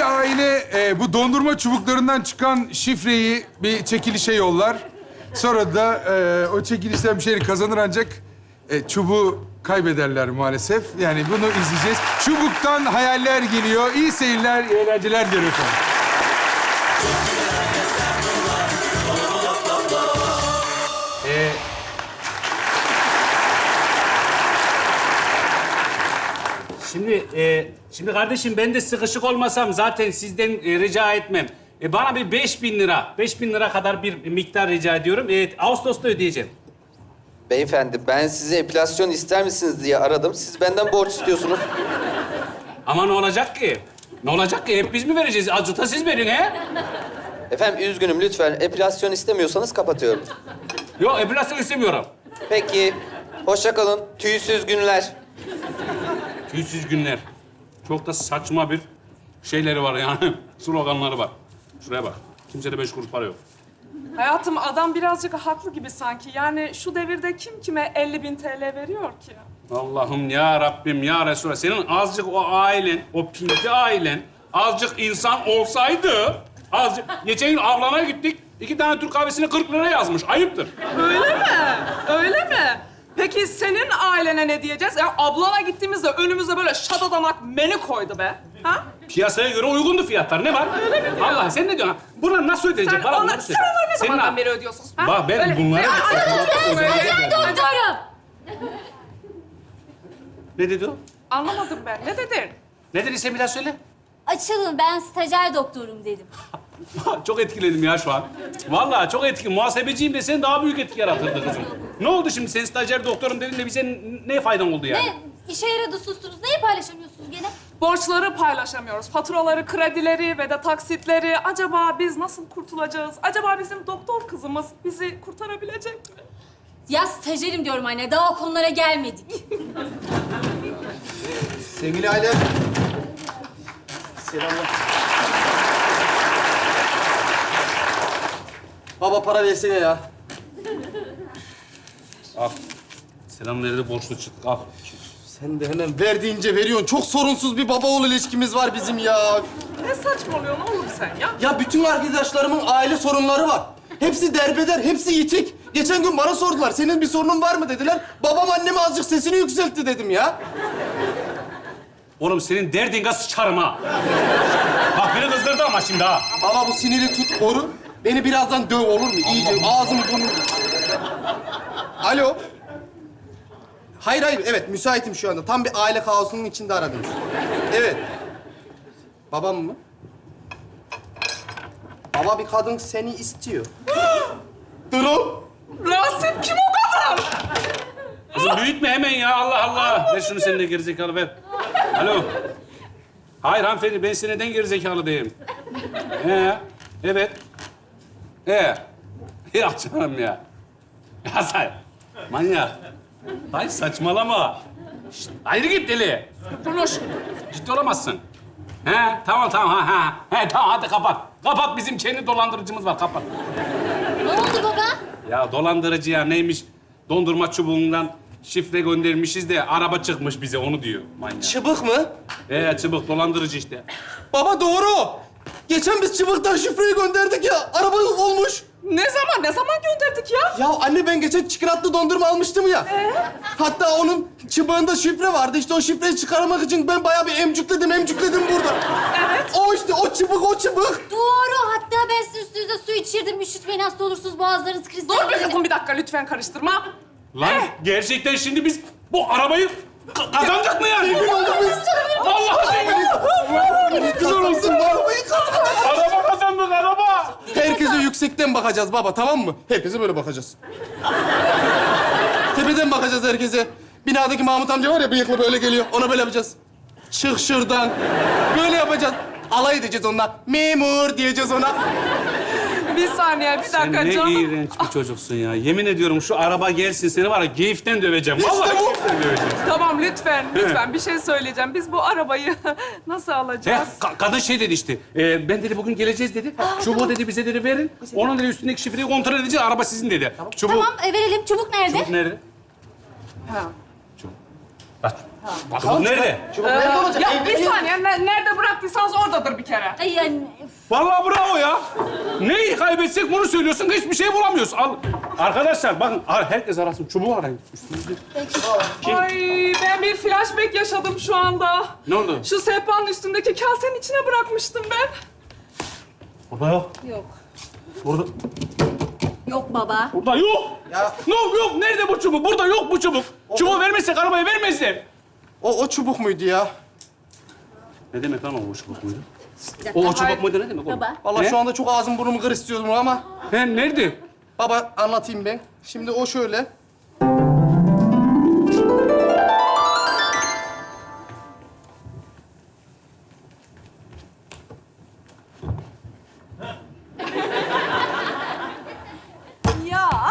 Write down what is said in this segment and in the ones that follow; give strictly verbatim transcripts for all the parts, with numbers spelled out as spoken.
bir aile e, bu dondurma çubuklarından çıkan şifreyi bir çekilişe yollar. Sonra da e, o çekilişten bir şeyleri kazanır ancak e, çubuğu kaybederler maalesef. Yani bunu izleyeceğiz. Çubuktan hayaller geliyor. İyi seyirler, iyi eğlenceler diliyorum efendim. Ee, Şimdi, e, şimdi kardeşim ben de sıkışık olmasam zaten sizden e, rica etmem. E, bana bir beş bin lira, beş bin lira kadar bir miktar rica ediyorum. E, Ağustos'ta ödeyeceğim. Beyefendi, ben size epilasyon ister misiniz diye aradım. Siz benden borç istiyorsunuz. Ama ne olacak ki? Ne olacak ki? Hep biz mi vereceğiz? Azıcık da siz verin he? Efendim üzgünüm, lütfen epilasyon istemiyorsanız kapatıyorum. Yok, epilasyon istemiyorum. Peki, hoşça kalın. Tüysüz günler. Tüysüz günler. Çok da saçma bir şeyleri var yani. Sloganları var. Şuraya bak. Kimsede beş kuruş para yok. Hayatım adam birazcık haklı gibi sanki. Yani şu devirde kim kime elli bin T L veriyor ki? Allah'ım ya Rabbim ya Resulallah. Senin azıcık o ailen, o pinti ailen azıcık insan olsaydı... Azıcık... Geçen gün avlanaya gittik. İki tane Türk kahvesine kırk lira yazmış. Ayıptır. Öyle mi? Öyle mi? Peki senin ailene ne diyeceğiz? Ya ablana gittiğimizde önümüze böyle şadadanak menü koydu be. Ha? Piyasaya göre uygundu fiyatlar. Ne var? Öyle mi diyor? Allah sen ne diyorsun? Bunları nasıl ödeyecek? Sen, Bana ona, bunları sen söyle. onları ne Senin zamandan a- beri ödüyorsun? Ha? Bak ben Öyle- bunları... Ay, ay, ay, ay, Stajyer doktorum. Ne dedi o? Anlamadım ben. Ne dedin? Ne dediyse bir daha söyle. Açılın, ben stajyer doktorum dedim. Çok etkiledim ya şu an. Vallahi çok etki. Muhasebeciyim de sen daha büyük etki yaratırdı kızım. Ne oldu şimdi? Sen stajyer doktorum dedin de bize n- ne faydan oldu yani? Ne? İşe yaradı sustunuz. Neyi paylaşamıyorsunuz gene? Borçları paylaşamıyoruz. Faturaları, kredileri ve de taksitleri. Acaba biz nasıl kurtulacağız? Acaba bizim doktor kızımız bizi kurtarabilecek mi? Ya stajyerim diyorum anne. Daha o konulara gelmedik. Sevgili aile. Selamlar. Baba para versene ya. Al. Selam verdi borçlu çıktık. Al. Sen de hemen verdiğince veriyorsun. Çok sorunsuz bir baba oğul ilişkimiz var bizim ya. Ne saçmalıyorsun oğlum sen ya? Ya bütün arkadaşlarımın aile sorunları var. Hepsi derbeder, hepsi yitik. Geçen gün bana sordular, senin bir sorunun var mı dediler. Babam anneme azıcık sesini yükseltti dedim ya. Oğlum senin derdin gaz sıçarım ha. Bak beni kızdırdı ama şimdi ha. Baba bu siniri tut, koru. Beni birazdan döv olur mu? İyice ağzımı burnumu... Alo. Hayır hayır, evet müsaitim şu anda. Tam bir aile kaosunun içinde aradım. Evet. Babam mı? Baba bir kadın seni istiyor. Durum. Rasim kim o kadar? Kızım büyütme hemen ya. Allah Allah. Ver şunu senin de gerizekalı ver. Alo. Hayır hanımefendi ben size neden gerizekalı diyeyim? Ee, evet. Ee. Ya canım ya. Ya sen manyak. Hayır saçmalama. Şişt, ayrı git deli. Konuş. Ciddi olamazsın. He tamam tamam ha ha. He tamam hadi kapat. Kapat bizim kendi dolandırıcımız var kapat. Ne oldu baba? Ya dolandırıcı ya neymiş? Dondurma çubuğundan şifre göndermişiz de araba çıkmış bize onu diyor manyak. Çıbık mı? Ee çıbık dolandırıcı işte. Baba doğru. Geçen biz çıbıktan şifreyi gönderdik ya. Araba olmuş. Ne zaman, ne zaman gönderdik ya? Ya anne ben geçen çikolatlı dondurma almıştım ya. Ee? Hatta onun çıbığında şifre vardı. İşte o şifreyi çıkarmak için ben bayağı bir emcükledim, emcükledim burada. Evet. O işte, o çıbık, o çıbık. Doğru. Hatta ben sizin üstünüze su içirdim. Üşütmeyin, hasta olursunuz. Boğazlarınız kriz. Dur bir kızım bir dakika lütfen karıştırma. Lan gerçekten şimdi biz bu arabayı ka- kazandık mı yani? Zengin olduk biz. Vallahi zengin. Güzel olsun. Arabayı kazandık. Araba kazandık araba. Herkese yüksekten bakacağız baba, tamam mı? Herkese böyle bakacağız. Tepeden bakacağız herkese. Binadaki Mahmut amca var ya, bıyıklı böyle geliyor. Ona böyle yapacağız. Çık şuradan. Böyle yapacağız. Alay edeceğiz onunla. Memur diyeceğiz ona. Bir saniye, bir Sen dakika ne canım. iğrenç bir çocuksun ya. Yemin ediyorum şu araba gelsin seni var ya geyiften döveceğim. İşte Vallahi bu. geyiften döveceğim. Tamam lütfen, lütfen bir şey söyleyeceğim. Biz bu arabayı nasıl He, alacağız? ka- kadın şey dedi işte. e, ben dedi bugün geleceğiz dedi. Çubuğu dedi bize dedi verin. Onun dedi üstündeki şifreyi kontrol edeceğiz. Araba sizin dedi. Çubuk. Tamam, e, verelim. Çubuk nerede? Çubuk nerede? Ha. Aç. Çubuk nerede? Çubuk nerede olacak? Ya Evde bir yok. saniye, ne- nerede bıraktıysanız oradadır bir kere. Ay yani Vallahi bravo ya. Neyi kaybetsek bunu söylüyorsun, hiçbir şey bulamıyoruz. Al. Arkadaşlar bakın, ar- herkes arasın. Çubuğu arayın. Üstünüzde. Ay ben bir flashback yaşadım şu anda. Ne oldu? Şu sehpanın üstündeki kasenin içine bırakmıştım ben. Burada yok. yok. Burada, Yok baba. burada yok. Ya. Yok yok. Nerede bu çubuk? Burada yok bu çubuk. Çubuğu vermezsek arabayı vermezler. O, o çubuk muydu ya? Ne demek lan o çubuk muydu? Bir dakika. O çubuk muydu ne demek oğlum? Baba. Vallahi Ne? şu anda çok ağzım burnumu kır istiyordum ama... He nerede? Baba anlatayım ben. Şimdi o şöyle. Ya.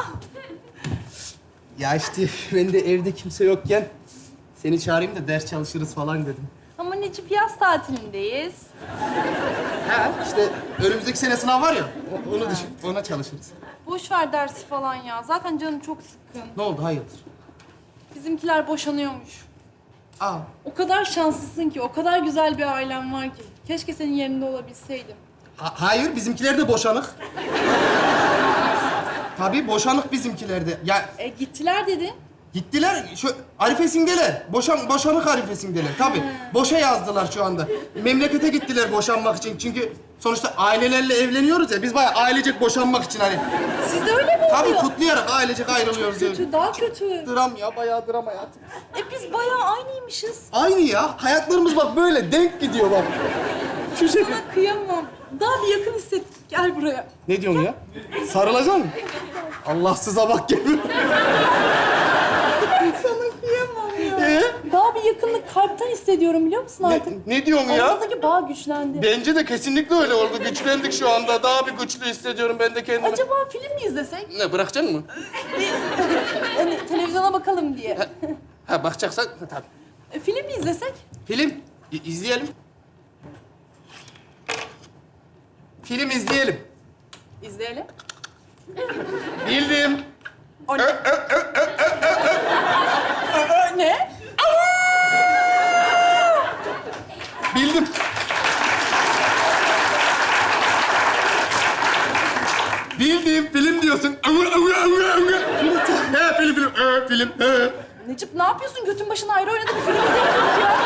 Ya işte ben de evde kimse yokken seni çağırayım da ders çalışırız falan dedim. Ama Necip yaz tatilindeyiz. Ha işte önümüzdeki sene sınav var ya, o- onu düşün, ona çalışırız. Boş ver dersi falan ya. Zaten canım çok sıkkın. Ne oldu, hayırdır? Bizimkiler boşanıyormuş. Aa, O kadar şanslısın ki, o kadar güzel bir ailen var ki. Keşke senin yerinde olabilseydim. ha- hayır, bizimkiler de boşanık. Tabii boşanık bizimkiler de. Ya E gittiler dedin. gittiler, şu arifesindeler. Boşan, boşanık arifesindeler. Tabii, boşa yazdılar şu anda. Memlekete gittiler boşanmak için. Çünkü sonuçta ailelerle evleniyoruz ya. Biz bayağı ailecek boşanmak için hani. Siz de öyle mi Tabii oluyor? kutlayarak ailecek ayrılıyoruz. yani. Kötü, daha kötü. Dram ya, bayağı dram hayatım. E biz bayağı aynıymışız. Aynı ya. Hayatlarımız bak böyle denk gidiyor bak. Şu şekil. Sana kıyamam. Daha bir yakın hissettik. Gel buraya. Ne diyorsun ya? Sarılacaksın mı? Allahsıza bak gibi. Sana kıyamam ya. Ee? Daha bir yakınlık kalpten hissediyorum biliyor musun Ne, artık? ne diyorsun ya? Aramızdaki bağ güçlendi. Bence de kesinlikle öyle oldu. Güçlendik şu anda. Daha bir güçlü hissediyorum ben de kendimi. Acaba film mi izlesek? Ne, bırakacaksın mı? Hani televizyona bakalım diye. Ha, bakacaksan ha, tabii. E, film mi izlesek? Film İ- izleyelim. Film izleyelim. İzleyelim. Bildim. O ne? Ne? Bildim. Bildim. Film diyorsun. He, film, film. He, film. He. Necip ne yapıyorsun? Götün başına ayrı oynadı bir film izleyelim ya.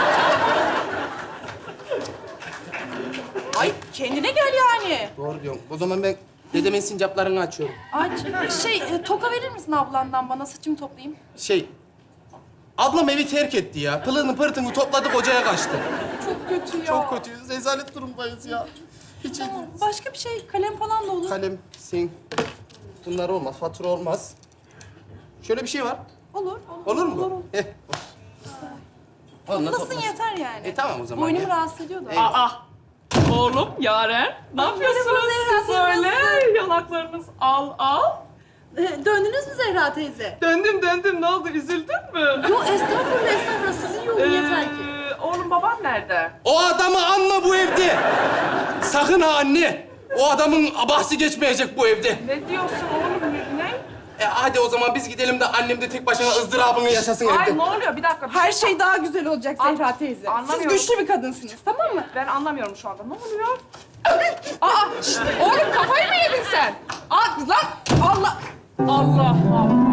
Ay kendine gel yani. Doğru diyorsun. O zaman ben dedemin sincaplarını açıyorum. Aç. Şey, e, toka verir misin ablandan bana? Saçımı toplayayım. Şey, ablam evi terk etti ya. Pılını pırtını topladı, kocaya kaçtı. Çok kötü ya. Çok kötüyüz. Rezalet durumdayız ya. Hiç iyi Tamam. değil. Başka bir şey, kalem falan da olur. Kalem, sim. Bunlar olmaz. Fatura olmaz. Şöyle bir şey var. Olur. Olur, Olur mu? Olur, olur. Heh. Onunla Nasıl toplasın. yeter yani? E tamam o zaman. Boynumu ya. rahatsız ediyor da. Aa. Oğlum, Yaren. Ne yapıyorsunuz merhaba siz Zehra, öyle? Yanaklarınız al al. E, döndünüz mü Zehra teyze? Döndüm döndüm. Ne oldu? Üzüldün mü? Yok estağfurullah, estağfurullah. Sizin yolun yeter ki. Ee, oğlum baban nerede? O adamı anma bu evde. Sakın ha anne. O adamın bahsi geçmeyecek bu evde. Ne diyorsun oğlum? Ne? ne? E hadi o zaman biz gidelim de annem de tek başına ızdırabını yaşasın Ay evde. ne oluyor? Bir dakika. Her şey daha güzel olacak An- Zehra teyze. Siz anlamıyorum. güçlü bir kadınsınız, tamam mı? Ben anlamıyorum şu anda. Ne oluyor? Aa, şişt, oğlum kafayı mı yedin sen? Aa, lan Allah. Allah Allah.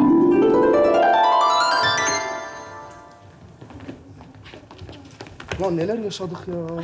Lan neler yaşadık ya.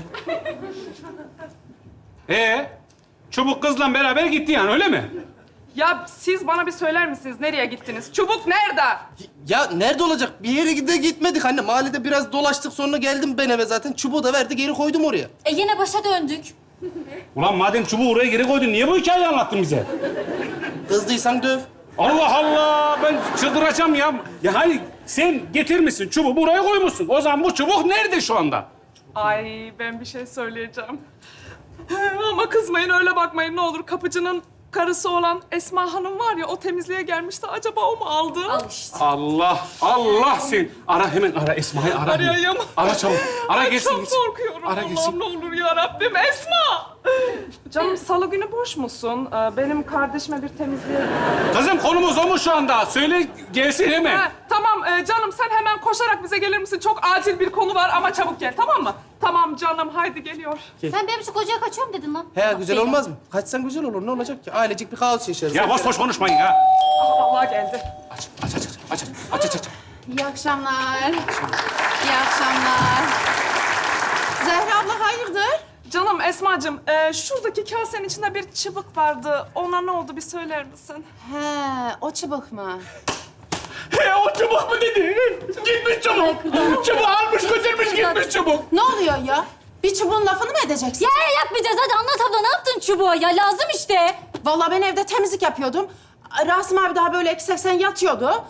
Ee, çubuk kızla beraber gitti yani öyle mi? Ya siz bana bir söyler misiniz? Nereye gittiniz? Çubuk nerede? Ya nerede olacak? Bir yere de gitmedik anne. Mahallede biraz dolaştık, sonra geldim ben eve zaten. Çubuğu da verdi, geri koydum oraya. E yine başa döndük. Ulan madem çubuğu oraya geri koydun, niye bu hikayeyi anlattın bize? Kızdıysan döv. Allah Allah, ben çıldıracağım ya. Ya hayır, sen getirmişsin çubuğu buraya koymuşsun. O zaman bu çubuk nerede şu anda? Ay ben bir şey söyleyeceğim. Ama kızmayın öyle bakmayın ne olur. Kapıcının karısı olan Esma Hanım var ya, o temizliğe gelmişti. Acaba o mu aldı? Al işte. Allah, Allah sen. Ara hemen ara Esma'yı ara. hemen. Arayayım. Ara çabuk. Ara Ay, gelsin. çok gitsin. korkuyorum. Ara Allah'ım gelsin. ne olur ya Rabbim. Esma! Canım salı günü boş musun? Ee, benim kardeşime bir temizliğe... Kızım konumuz o mu şu anda? Söyle gelsin hemen. Ha, tamam ee, canım sen hemen koşarak bize gelir misin? Çok acil bir konu var ama çabuk gel, tamam mı? Tamam canım, haydi geliyor. Sen benim şu kocaya kaçıyorum dedin lan. He Bak güzel beni. olmaz mı? Kaçsan güzel olur. Ne olacak ki? Ailecek bir kaos yaşarız. Ya boş boş konuşmayın ya. Allah geldi. Aç, aç, aç, aç, aç, aç, aç, aç. İyi akşamlar. İyi akşamlar. Zehra abla hayırdır? Canım Esma'cığım, ee, şuradaki kasenin içinde bir çıbık vardı. Ona ne oldu bir söyler misin? He, o çubuk mu? He o çubuk mu dedi? Gitmiş çubuk. Çubuğu almış götürmüş gitmiş çubuk. Ne oluyor ya? Bir çubuğun lafını mı edeceksin? Ya yapmayacağız. Hadi anlat abla. Ne yaptın çubuğa? Ya lazım işte. Vallahi ben evde temizlik yapıyordum. Rasim abi daha böyle eksi seksen yatıyordu.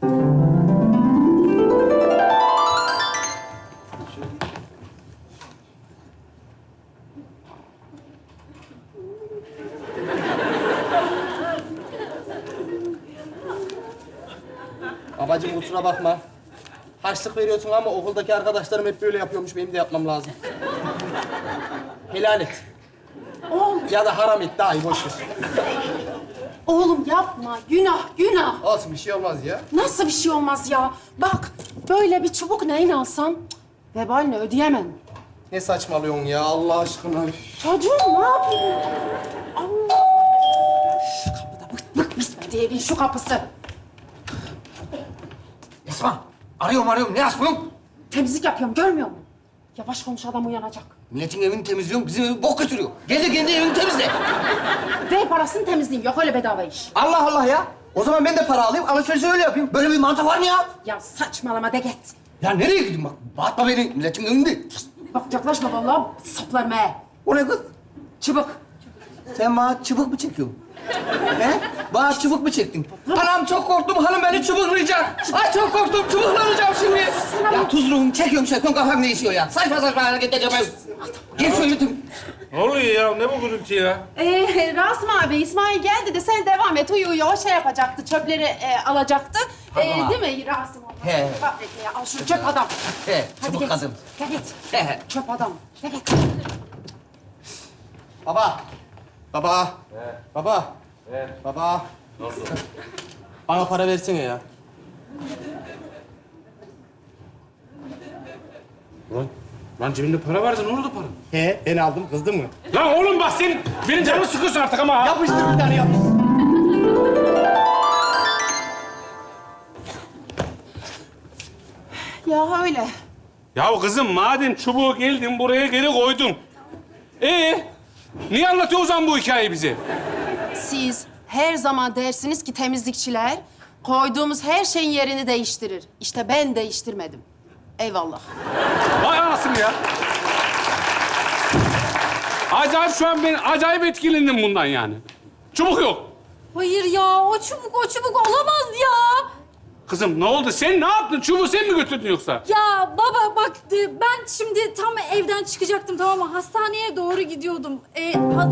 Babacığım kusura bakma. Harçlık veriyorsun ama okuldaki arkadaşlarım hep böyle yapıyormuş. Benim de yapmam lazım. Helal et. Oğlum, Ya da haram et. Daha iyi boş ver. oğlum yapma. Günah, günah. Olsun bir şey olmaz ya. Nasıl bir şey olmaz ya? Bak, böyle bir çubuk neyin alsam vebalini ödeyemem. Ne saçmalıyorsun ya Allah aşkına. Çocuğum ne yapayım? Allah! Üf, kapıda bık bık bitmedi evin şu kapısı. Esma, arıyorum arıyorum. Ne yapıyorsun? Temizlik yapıyorum, görmüyor musun? Yavaş konuş, adam uyanacak. Milletin evini temizliyorum, bizim evi bok götürüyor. Gel de kendi evini temizle. Ver parasını temizleyin, yok öyle bedava iş. Allah Allah ya. O zaman ben de para alayım, alışverişi öyle yapayım. Böyle bir mantık var mı ya? Ya saçmalama de git. Ya nereye gideyim bak? Batma beni, milletin evinde. Bak yaklaşma vallahi saplarım he. O ne kız? Çubuk. Sen bana çubuk mu çekiyorsun? He? Bana çubuk mu çektin? Anam çok korktum, hanım beni çubuklayacak. Ay çok korktum, çubuklanacağım şimdi. Ya tuzluğum, çekiyorum çekiyorum, kafam değişiyor ya. Saçma saçma hareket edeceğim. Gel şöyle tüm. Ne oluyor ya? Ne bu gürültü ya? Ee, Rasim abi, İsmail geldi de sen devam et. Uyu uyu, o şey yapacaktı, çöpleri e, alacaktı. Ee, Tamam. değil mi Rasim abi? He. Bak ya, al şu çöp adam. He, Hadi çubuk git. kadın. Gel git. He. Çöp adam. Gel git. Baba. Baba. Baba. Baba. Ne oldu? Bana para versene ya. Lan, lan cebinde para vardı. Ne oldu para? He, ben aldım. Kızdın mı? Lan oğlum bak sen benim canımı sıkıyorsun artık ama. ha. Yapıştır bir tane yapıştır. Ya öyle. Ya kızım madem çubuğu geldin buraya geri koydun. Ee, niye anlatıyor o zaman bu hikayeyi bize? Siz her zaman dersiniz ki temizlikçiler koyduğumuz her şeyin yerini değiştirir. İşte ben değiştirmedim. Eyvallah. Vay anasını ya. Acayip şu an ben acayip etkilendim bundan yani. Çubuk yok. Hayır ya. O çubuk, o çubuk olamaz ya. Kızım ne oldu? Sen ne yaptın? Çubuğu sen mi götürdün yoksa? Ya baba bak e, ben şimdi tam evden çıkacaktım tamam mı? Hastaneye doğru gidiyordum. E, has-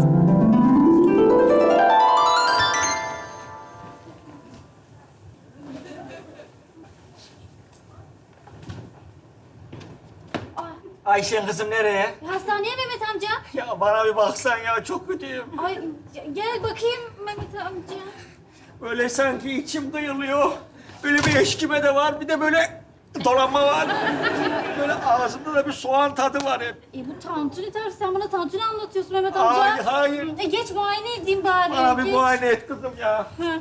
Ayşen kızım nereye? hastaneye Mehmet amca. Ya bana bir baksan ya, çok kötüyüm. Ay gel bakayım Mehmet amca. Böyle sanki içim kıyılıyor. Böyle bir eşkime de var, bir de böyle dolanma var. Böyle ağzımda da bir soğan tadı var hep. E bu tantuni ters. Sen bana tantuni anlatıyorsun Mehmet amca. Hayır, hayır. E geç muayene edeyim bari. Bana bir geç. muayene et kızım ya. Hı.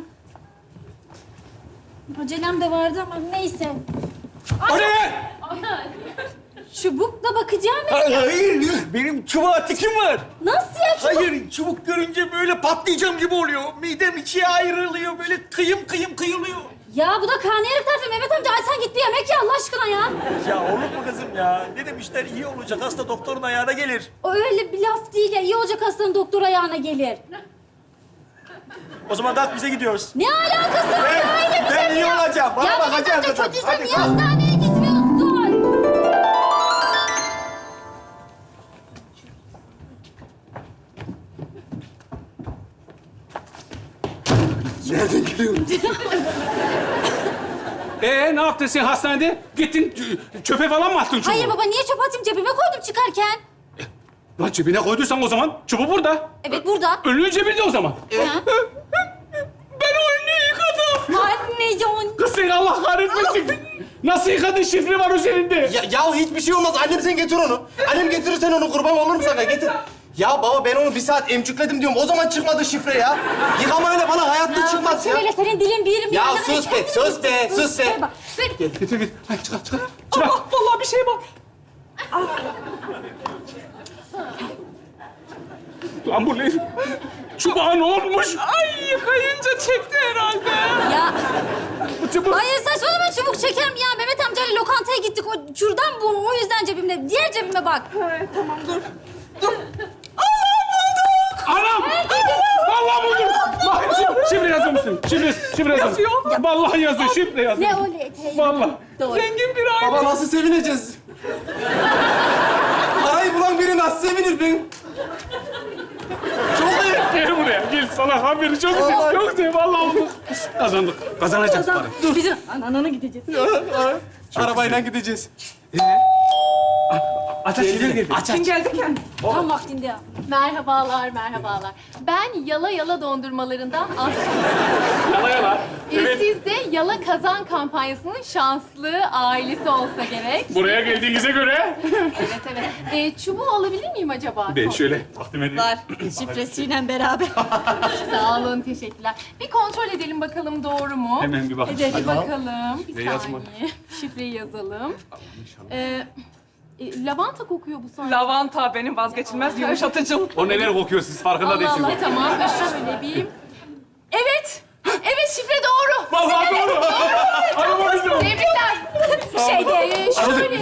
Acelem de vardı ama neyse. O ne? Çubukla bakacağım. Hayır, hayır. Benim çubuğa tikim var. Nasıl ya çubuk? Hayır, çubuk görünce böyle patlayacağım gibi oluyor. Midem ikiye ayrılıyor, böyle kıyım kıyım kıyılıyor. Ya bu da karnıyarık tarifi Mehmet amca. Ay sen git bir yemek ye Allah aşkına ya. Ya olur mu kızım ya? Ne demişler, iyi olacak hasta doktorun ayağına gelir. O öyle bir laf değil ya. İyi olacak hastanın doktor ayağına gelir. O zaman kalk bize gidiyoruz. Ne alakası var ya? Öyle bir Ben şey mi iyi ya? olacağım. Bana ya Mehmet bakacağım amca kızım. kötüysen Hadi niye kalk. hastaneye gitmiyorsun? Nereden geliyorum? Ee ne yaptın sen hastanede? Gittin ç- çöpe falan mı attın çubuğu? Hayır baba niye çöp atayım cebime koydum çıkarken. Lan cebine koyduysan o zaman çubuğu burada. Evet burada. Önlüğün cebinde o zaman. Ha? Ben o önlüğü yıkadım. Anne ya. Kız seni Allah kahretmesin. Nasıl yıkadın? Şifre var üzerinde. Ya, ya hiçbir şey olmaz. Annem sen getir onu. Annem getirirsen onu kurban olurum sana. Getir. Ya baba ben onu bir saat emcükledim diyorum. O zaman çıkmadı şifre ya. Yıkamayla falan hayatta çıkmaz ya. Şöyle senin dilin bir yerim Ya yerine sus böyle- be, sus be, sus be. Ver bak, ver. Getir git. Hadi çıkar çıkar. Çıkar. Allah vallahi bir şey var. Lan bu ne? Çubuğa ne olmuş? Ay yıkayınca çekti herhalde. Ya Bu çubuk. hayır saçmalama çubuk çeker mi ya? Mehmet amcayla lokantaya gittik. O kürdan bu. O yüzden cebimde. Diğer cebime bak. Evet, tamam dur. Anam! Vallahi buldum. Bak şif- şifre yazıyor musun? Şifre, şifre yazıyor. Yazıyor. Vallahi yazıyor, şifre yazıyor. Ne öyle eteği? Vallahi. Doğru. Zengin bir aile. Baba nasıl sevineceğiz? Parayı bulan biri nasıl sevinir ben? Çok iyi. Gel buraya, gel. Sana haberi çok güzel, çok güzel. Vallahi oldu. Kazandık, kazanacağız para. Dur bizim anana gideceğiz. Arabayla gideceğiz. Aç, aç, şifre geldi. Aç Kim aç. geldi kendi? Tam vaktinde ya. Merhabalar, merhabalar. Ben Yala Yala dondurmalarından Aslı. Yala yala. Ee, Evet. Siz de Yala Kazan kampanyasının şanslı ailesi olsa gerek. Buraya geldiğinize göre... Evet, evet. Ee, çubuğu alabilir miyim acaba? Ben şöyle takdim edeyim. Var. Şifresiyle beraber. Sağ olun, teşekkürler. Bir kontrol edelim bakalım doğru mu? Hemen bir bak. Hadi bakalım. Bir Ne yazma? saniye. Şifreyi yazalım. Ee, e, lavanta kokuyor bu sanki. Lavanta benim vazgeçilmez yumuşatıcım. O neler kokuyor siz farkında Allah değilsiniz. Allah, tamam. Şöyle bir... Evet. Evet, şifre doğru. Vallahi doğru. Araba bizim. Tebrikler. Şey de şöyle...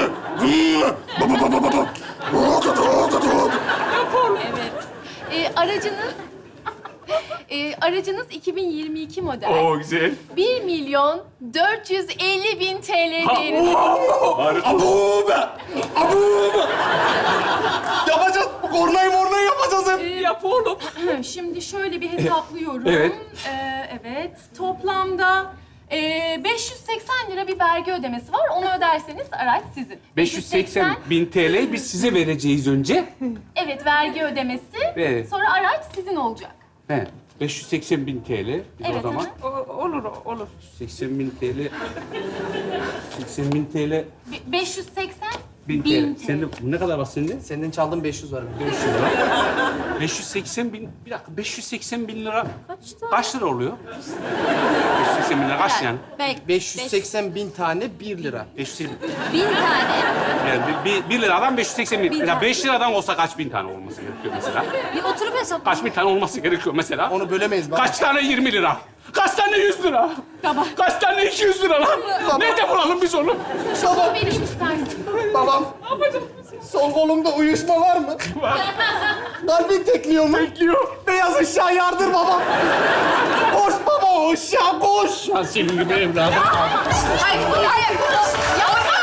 Evet. Ee, aracınız... Ee, aracınız iki bin yirmi iki model. Oo güzel. bir milyon dört yüz elli bin T L değerinde. Harika. Abu be! Abu be! Yapacağız. Kornayı mornayı yapacağız hep. Ee, Yap oğlum. Şimdi şöyle bir hesaplıyorum. Evet. Ee, evet. Toplamda e, beş yüz seksen lira bir vergi ödemesi var. Onu öderseniz araç sizin. beş yüz seksen bin T L biz size vereceğiz önce. Evet, vergi ödemesi. Evet. Sonra araç sizin olacak. He. beş yüz seksen bin T L. Biz Evet, o zaman hı O- olur olur. seksen bin T L. seksen bin T L. Be- beş yüz seksen Bin bin T L. T L. Sende ne kadar var sende? Senden çaldım beş yüz var. beş yüz lira. beş yüz seksen bin, bir dakika beş yüz seksen bin lira Kaçta? kaç lira oluyor? beş yüz seksen bin lira kaç yani? Bek. beş yüz seksen bin tane bir lira. beş yüz seksen bin. Bin tane. Yani bir, bir, bir liradan beş yüz seksen bin. Bin Ya tane. beş liradan olsa kaç bin tane olması gerekiyor mesela? Bir oturup hesapla. Kaç bin tane olması gerekiyor mesela? Onu bölemeyiz baba. Kaç tane yirmi lira? Kaç tane yüz lira? Baba. Kaç tane iki yüz lira lan? Nerede bulalım biz onu? Şunu vereyim istersin. Babam. Sol kolumda uyuşma var mı? Var. Kalbin tekliyor mu? Bekliyor. Beyaz ışığa yardır babam. Koş baba, ışığa koş. Lan senin gibi evladım. Ay, hayır, hayır. Yapma.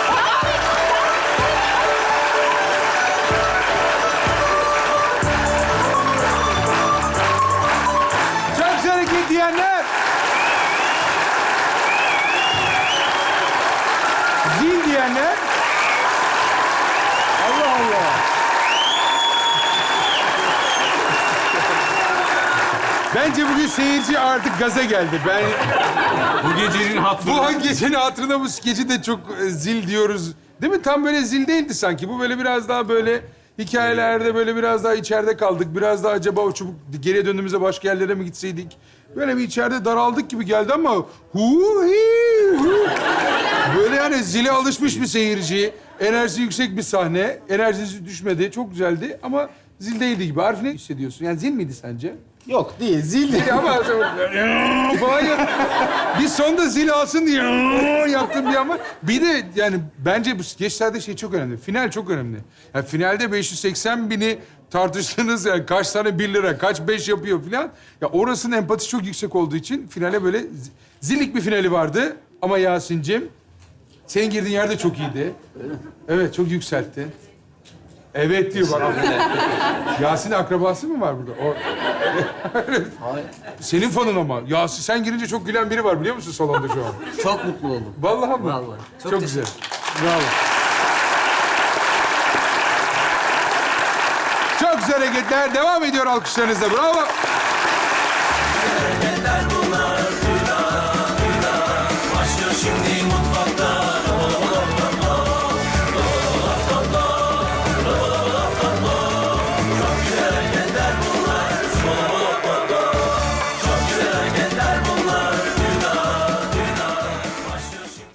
Çok hareket diyenler. Zil diyenler. Allah Allah. Bence bugün seyirci artık gaza geldi. Ben Bu gecenin hatırı. bu gecenin hatırına bu skeci de çok e, zil diyoruz. Değil mi? Tam böyle zil değildi sanki. Bu böyle biraz daha böyle hikayelerde böyle biraz daha içeride kaldık. Biraz daha acaba o çubuk geriye döndüğümüzde başka yerlere mi gitseydik? Böyle bir içeride daraldık gibi geldi ama hu hi hu. Böyle yani zile alışmış bir seyirci. Enerjisi yüksek bir sahne. Enerjisi düşmedi. Çok güzeldi ama zil değildi gibi. Arif ne hissediyorsun? Yani zil miydi sence? Yok değil, zil Zil ama falan ya. Bir sonda zil alsın diye yaptım bir ama. Bir de yani bence bu skeçlerde şey çok önemli. Final çok önemli. Yani finalde beş yüz seksen bini tartıştığınız yani kaç tane bir lira, kaç beş yapıyor falan. Ya orasının empatisi çok yüksek olduğu için finale böyle zi- zillik bir finali vardı. Ama Yasin'cim senin girdiğin yerde çok iyiydi. Evet, çok yükseltti. Evet diyor bak. Yasin akrabası mı var burada? O... Senin fanın ama. Yasin sen girince çok gülen biri var biliyor musun salonda şu an? Çok mutlu oldum. Vallahi mı? Vallahi. Çok, Çok güzel. Bravo. Çok güzel hareketler. Devam ediyor alkışlarınızla. Bravo.